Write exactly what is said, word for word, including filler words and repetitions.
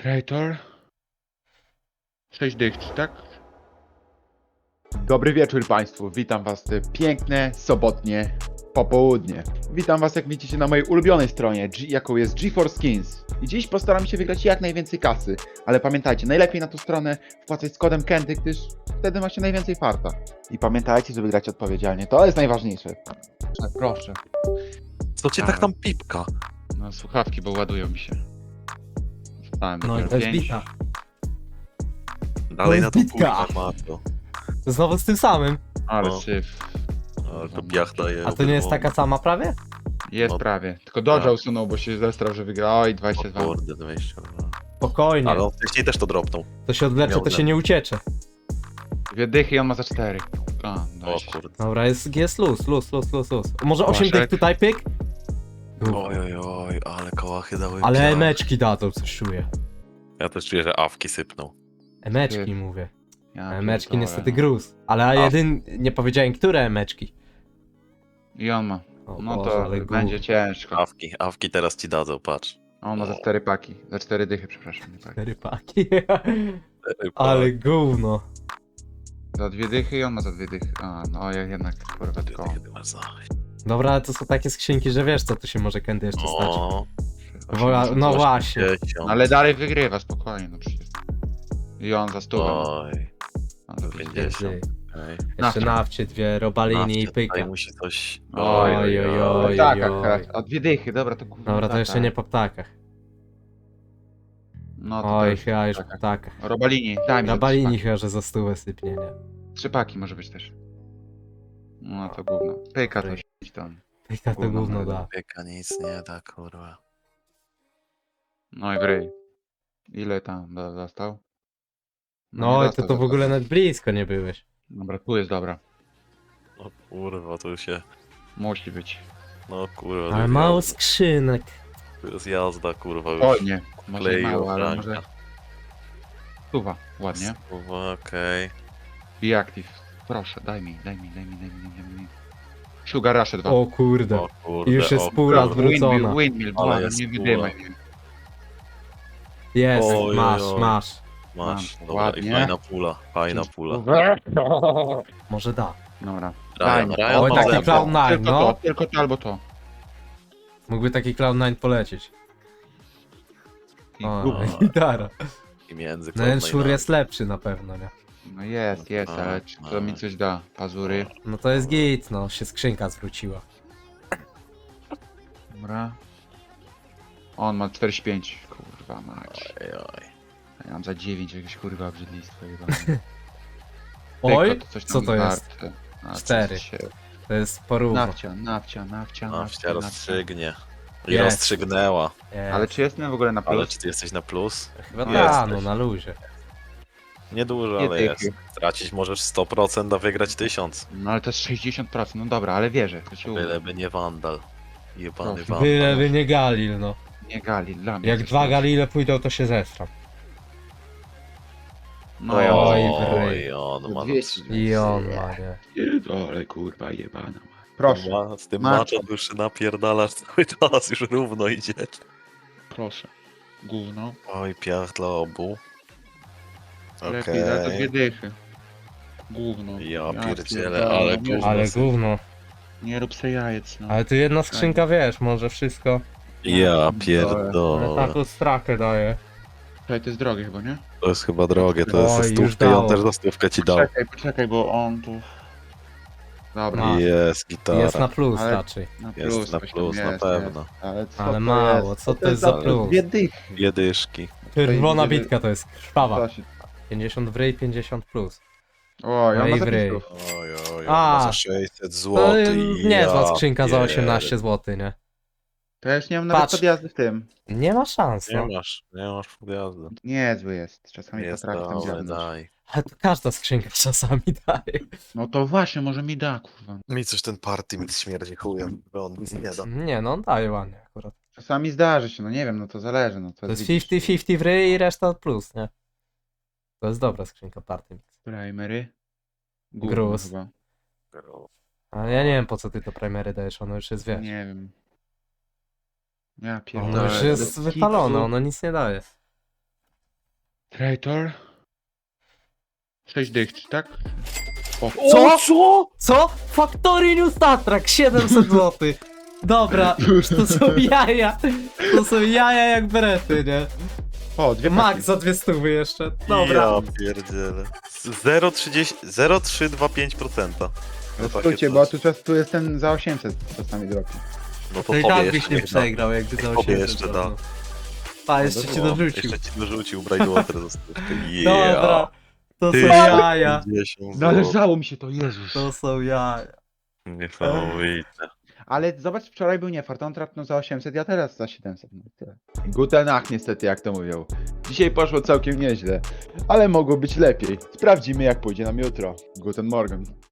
Creator. sześć dych, czy tak? Dobry wieczór Państwu, witam Was w te piękne, sobotnie popołudnie. Witam Was, jak widzicie, na mojej ulubionej stronie, G jaką jest GeForce Skins. I dziś postaram się wygrać jak najwięcej kasy. Ale pamiętajcie, najlepiej na tą stronę wpłacać z kodem Kenty, gdyż wtedy macie najwięcej farta. I pamiętajcie, żeby grać odpowiedzialnie, to jest najważniejsze. Proszę, proszę. Co cię tak tam pipka? No słuchawki, bo ładują mi się. Wstałem No i dopiero to jest pięć. bita. Dalej na jest to bitka. kurwa ma to. Znowu z tym samym. Ale No. syf. Ale to piach daje. A to nie jest taka sama prawie? Jest No. prawie. Tylko Dodge'a Tak. usunął, bo się zestrał, że wygra. Oj, dwadzieścia O dwa. kurde, dwieście dwa. Spokojnie. Ale on wcześniej też to dropnął. To się odlecze, miał to się za- nie uciecze. Dwie dychy i on ma za cztery. A, O dwadzieścia. kurde. Dobra, jest, jest luz, luz, luz, luz, luz. Może osiem Błaszek. tych tutaj pyk? Oj, oj, oj, ale kołachy dały Ale piach. emeczki dadzą, coś czuję. Ja też czuję, że awki sypnął. Emeczki Ty. mówię. Ja Emeczki pierdolę, niestety no. gruz. Ale A. jedyn... nie powiedziałem, które emeczki. I on ma. O No Boże, to ale będzie gów. ciężko. Awki, awki teraz ci dadzą, patrz. A on ma za cztery paki. Za cztery dychy, przepraszam. Nie paki. Cztery paki. Ale gówno. Za dwie dychy i on ma za dwie dychy. A, no ja jednak kurwa tylko. Kiedy masz za... Dobra, ale to są takie skrzynki, że wiesz co tu się może kiedy jeszcze stać. O, Wola- no coś właśnie. dziesiąt. Ale dalej wygrywa, spokojnie, no przecież. I on za stówę. Oj, A, za pięćdziesiąt. Ty. okej. Jeszcze Nawcie. nawcie dwie, robalini i Nawcie, tutaj pyka. musi coś... Oj, oj, oj, oj. Tak, oj. akurat. A dwie dychy, dobra, to kurwa. Dobra, to tak, jeszcze tak. nie po ptakach. No to, to Oj, już chyba już po ptakach. ptakach. Robalini, daj mi za trzy Rabalini paki. chyba, że za stówę sypnie, nie? Trzy paki może być też. No to gówno. Pyka to Pyk. się tam. Pyka to Gówno, gówno ale da. Pieka nic nie da, kurwa. No i w ryj. Ile tam do- dostał? No nie i to, dostał to za w ogóle to. nawet blisko nie byłeś. Dobra, tu jest dobra. No kurwa, to się... Musi być. No kurwa, to Ale jest mało jazda. skrzynek. To jest jazda, kurwa, już. O nie, może klei mało, ale ochranka. może... Tuwa, ładnie. Kurwa, okej. Be active. Proszę, daj mi, daj mi, daj mi, daj mi, daj mi. Sugar Rush dwa. O kurde. O kurde, Już jest o półrat kurde. wrócona. Windmill, windmill, Ale błagam, jest nie póła. wydymaj mnie. Jest, Oj, oj, masz, oj. masz. Masz, Mam, dobra, ładnie. i fajna pula, fajna pula. Może da. Dobra. Daj Ryan, mi. Ryan Oj, ma taki zęby. clown nine, Tylko no. to, tylko to albo to. Mógłby taki Cloud nine polecieć. I O, gówno. gitara. I między No ten Cloud szur Nine'ami. jest lepszy na pewno, nie? No jest, jest, No, ale czy no. to mi coś da? Pazury. No to jest git, no. Się skrzynka zwróciła. Dobra. On ma czterdzieści pięć. Kurwa mać. Oj, oj. Ja mam za dziewięć jakieś kurwa obrzydlistwo jebane. Oj, Tylko coś tam co to jest? warte. A, co Cztery. się- To jest porówno. Nawcia, nawcia, nawcia, Nawcia nawcia, nawcia. rozstrzygnie. I Jest. rozstrzygnęła. Jest. Ale czy jestem w ogóle na Ale plus? czy ty jesteś na plus? Chyba No ta, jesteś. no na luzie. Niedużo, Nie ale dychy. jest. Stracić możesz sto procent, a wygrać tysiąc. No ale to jest sześćdziesiąt procent, no dobra, ale wierzę. To się uda. Byleby nie wandal. Jebany Proszę. wandal. Byleby nie Galil, no. Nie gali, dla mnie. Jak coś dwa tam. Galile pójdą, to się zestram. No ja Oj, mam. wryj. Oj, on ma dwieście. I on ma, nie. Pierdolę, kurwa jebana. Proszę, Ma, z tym Macie. maczem już się napierdalasz cały czas, już równo idzie. proszę. Gówno. Oj, piach dla obu. Lepiej za to dwie Okej. dychy. Gówno. Ja pierdzielę, pierdolę, ale nie, gówno. Ale gówno. nie rób se jajec, no. Ale tu jedna skrzynka, wiesz, może wszystko. Ja Ale pierdolę. taką strakę daje. Czekaj, to jest drogie chyba, nie? To jest chyba drogie, to jest Oj, za już stówkę i on dało. też za stówkę ci dał. Poczekaj, poczekaj, bo on tu... Dobra, No. Jest gitara. Jest na plus Ale- raczej. na Jest plus, na coś tam plus, na jest, pewno. jest. Ale, co Ale to mało, jest? co to jest za plus? Dwie dychy. Jedyszki. Czerwona Tutaj bitka to jest krwawa. To się- pięćdziesiąt w ryj, pięćdziesiąt plus. Oj, No on ma i w ryj. zapisów. Oj, oj, A. on ma za sześćset To złotych. niezła ja skrzynka za pier- osiemnaście złotych, nie? To ja już nie mam nawet Patrz. podjazdy w tym. Nie ma szans, no. Nie masz, nie masz podjazdu. Niezły jest, czasami Jest potrafi tam dobre, dziabnąć. daj. Ale to każda skrzynka czasami daje. No to właśnie, może mi da, kurwa. Mi coś ten party mi śmierdzi chujem, bo on nic nie da. Nie no, on daje ładnie akurat. Czasami zdarzy się, no nie wiem, no to zależy, no to, To jest widzisz. pięćdziesiąt pięćdziesiąt w ryj i reszta plus, nie? To jest dobra skrzynka party mix. Primery. Gówno Gruz. chyba. Ale ja nie wiem po co ty to primery dajesz, ono już jest, wiesz. Nie wiem. Ja Ono pierdolę. już jest do wypalone, kitu. ono nic nie daje. Traitor. sześć dych, czy tak? O, Co? Co? Co? Factory New Star Trek, siedemset złotych. Dobra, to są jaja. To są jaja jak berety, nie? o dwie Max paki. za dwie stówy jeszcze. Dobra. Ja pierdzielę. zero przecinek trzysta dwadzieścia pięć procent. No skrócie, bo tu, tu jest ten za osiemset czasami drogi. No to To i tobie tak jeszcze byś nie niech da. przegrał, jakby za Tobie osiemset. jeszcze da. złotych. Pa, jeszcze ci O, dorzucił. Jeszcze ci dorzucił Brightwater za stówkę. Yeah. Dobra, to są Ty, jaja. pięćdziesiąt Należało mi się to, Jezus. To są jaja. Niesamowite. Ale zobacz, wczoraj był niefart, on trafnął za osiemset, ja teraz za siedemset. No i tyle. Guten Nacht niestety, jak to mówią. Dzisiaj poszło całkiem nieźle, ale mogło być lepiej. Sprawdzimy jak pójdzie nam jutro. Guten Morgen.